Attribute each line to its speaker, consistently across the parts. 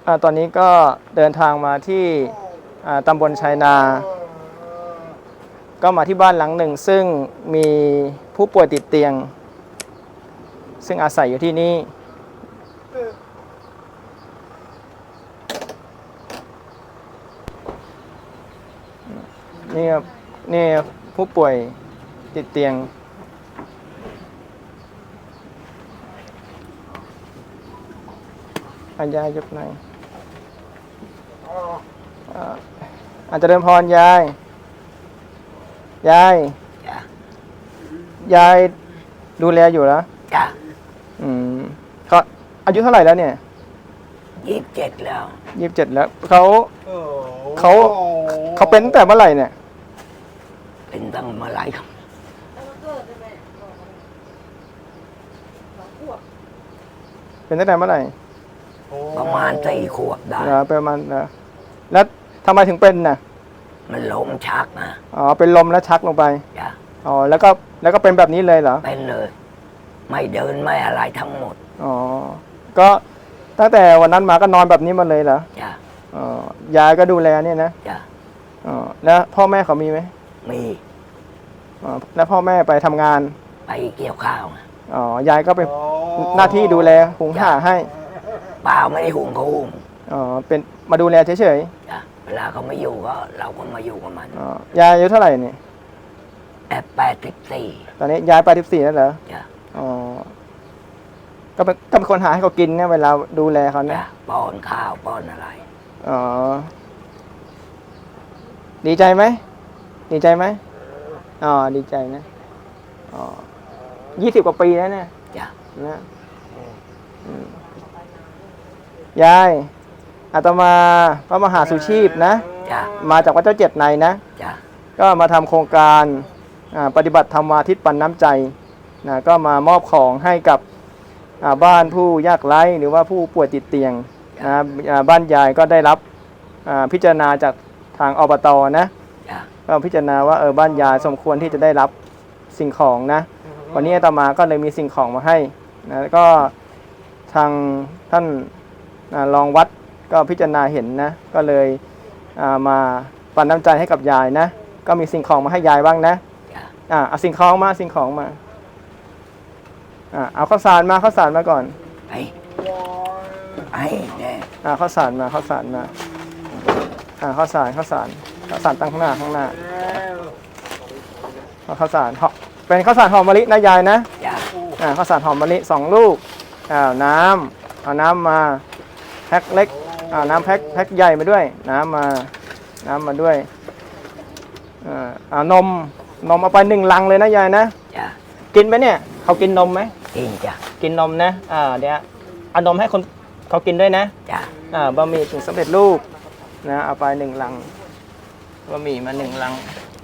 Speaker 1: ตอนนี้ก็เดินทางมาที่ตำบลชัยนาก็มาที่บ้านหลังหนึ่งซึ่งมีผู้ป่วยติดเตียงซึ่งอาศัยอยู่ที่นี่นี่ผู้ป่วยติดเตียงยายยกหน่อยอาจจะเดินพรยายดูแลอยู่แล้ว
Speaker 2: จ้ะ
Speaker 1: เขาอายุเท่าไหร่แล้วเนี่ย
Speaker 2: 27แล้ว
Speaker 1: 27แล้วเขาเป็นตั้งแต่เมื่อไหร่เนี่ย
Speaker 2: เป็นตั้งเมื่อไหร่ครับ
Speaker 1: เป็นตั้งแต่เมื่อไหร่
Speaker 2: ประมาณ4 ขวบได้
Speaker 1: ประมาณแล้วทำไมถึงเป็นน่ะ
Speaker 2: มันล้มชักนะ
Speaker 1: เป็นลมแล้วชักลงไป
Speaker 2: จ้ะ
Speaker 1: แล้วก็เป็นแบบนี้เลยเหรอ
Speaker 2: เป็นเลยไม่เดินไม่อะไรทั้งหมด
Speaker 1: ก็ตั้งแต่วันนั้นมาก็นอนแบบนี้มาเลยเหรอ
Speaker 2: จ้ะ
Speaker 1: ยายก็ดูแลเนี่ยนะ
Speaker 2: จ้ะ
Speaker 1: แล้วพ่อแม่เขามีไหม
Speaker 2: มี
Speaker 1: แล้วพ่อแม่ไปทำงาน
Speaker 2: ไปเกี่ยวข้า
Speaker 1: วยายก็เป็นหน้าที่ดูแลหุงห่าให้
Speaker 2: เปล่าไม่ได้หุงเขาหุง
Speaker 1: เป็นมาดูแลเฉย
Speaker 2: ๆจ้ะเวลาเขาไม่อยู่ก็เราก็มาอยู่กับมัน
Speaker 1: ยายอายุเท่าไหร่เนี่ย
Speaker 2: 84
Speaker 1: ตอนนี้ยาย84แล้วเหรอ
Speaker 2: จ้ะ
Speaker 1: ก็เป็นคนหาให้เขากินเนี่ยเวลาดูแลเขาเนี่ย
Speaker 2: ป้อนข้าวป้อนอะไร
Speaker 1: ดีใจไหมดีใจนะ20 กว่าปีแล้วเนี่ย
Speaker 2: จ้ะ
Speaker 1: นะยายอาตมาพระมหาสุชีพนะมาจากวัดเจ้า7 ในนะก็มาทำโครงการปฏิบัติธรรมาทิตปันน้ำใจนะก็มามอบของให้กับบ้านผู้ยากไร้หรือว่าผู้ป่วยติดเตียงนะบ้านยายก็ได้รับพิจารณาจากทางอบต.นะก็พิจารณาว่าบ้านยายสมควรที่จะได้รับสิ่งของนะวันนี้อาตมาก็เลยมีสิ่งของมาให้นะก็ทางท่านรองวัดก็พิจารณาเห็นนะก็เลยมาปันน้ำใจให้กับยายนะก็มีสิ่งของมาให้ยายบ้างนะเอาสิ่งของมาเอาข้าวสารมาก่อนข้าวสารมาข้าวสารตั้งข้างหน้าข้าวสารเป็นข้าวสารหอมมะลินะยายนะข้าวสารหอมมะลิ2 ลูกน้ำเอาน้ำมาแพ็คเล็กน้ำแพ็คใหญ่มาด้วยน้ำมาด้วยนมเอาไป1 ลังเลยนะยายนะกินไหมเนี่ยเขากินนมไหม
Speaker 2: กินจ้ะ
Speaker 1: กินนมนะเดี๋ยวเอานมให้คนเขากินด้วยนะ
Speaker 2: จ้ะ
Speaker 1: บะหมี่กึ่งสำเร็จรูปนะเอาไป1 ลังบะหมี่มา1 ลัง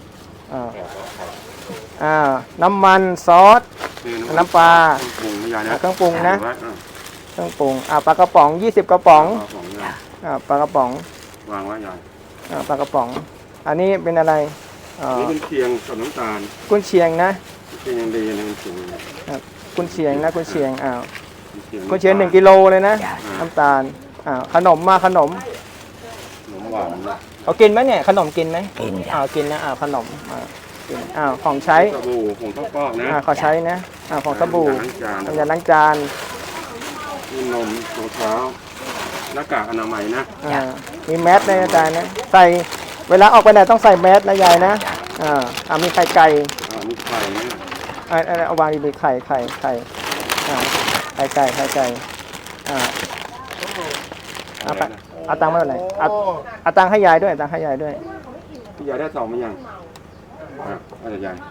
Speaker 1: น้ำมันซอสน้ำปลาเครื่องปรุงนะเครื่องปรุงปลากระป๋อง20 กระป๋องปลากระป๋อง
Speaker 3: วางไว้ยาย
Speaker 1: ปลากระป๋องอันนี้เป็นอะไร
Speaker 3: นี่กุนเชียงกับน้ำตาล
Speaker 1: กุนเชียงนะ
Speaker 3: กุนเชียงยังดีนะ
Speaker 1: กุนเชียงนะกุนเชียงกุนเชียง1 กิโลเลยนะน้ำตาลขนม
Speaker 3: หวาน
Speaker 1: เขากินไหมเนี่ยขนมกินไหม
Speaker 2: กิน
Speaker 1: นะขนมกินของใช้
Speaker 3: สบู่ของข้าวปอกนะ
Speaker 1: ขอใช้นะของสบู่น้ำยาล้างจาน
Speaker 3: นมรองเท้าหน้ากากอนามัยนะ
Speaker 1: มีแมสในอาจารย์นะใส่เวลาออกไปไหนต้องใส่แมสนะยายนะมีไข่ไก่
Speaker 3: มีไข่นะ
Speaker 1: เอาวางดีๆไข่ไก่เอาตังค์มาเท่าไหร่เอาตังค์ให้ยายด้วย
Speaker 3: พี่ยายได้2มั้ยยังยาย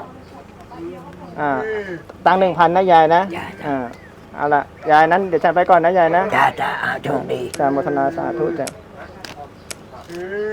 Speaker 1: ตังค์ 1,000นะยายนะเอาละยายนั้นเดี๋ยวฉันไปก่อนนะยายนะ
Speaker 2: จ้าโชคดี
Speaker 1: โมทนาสาธุจ้ะ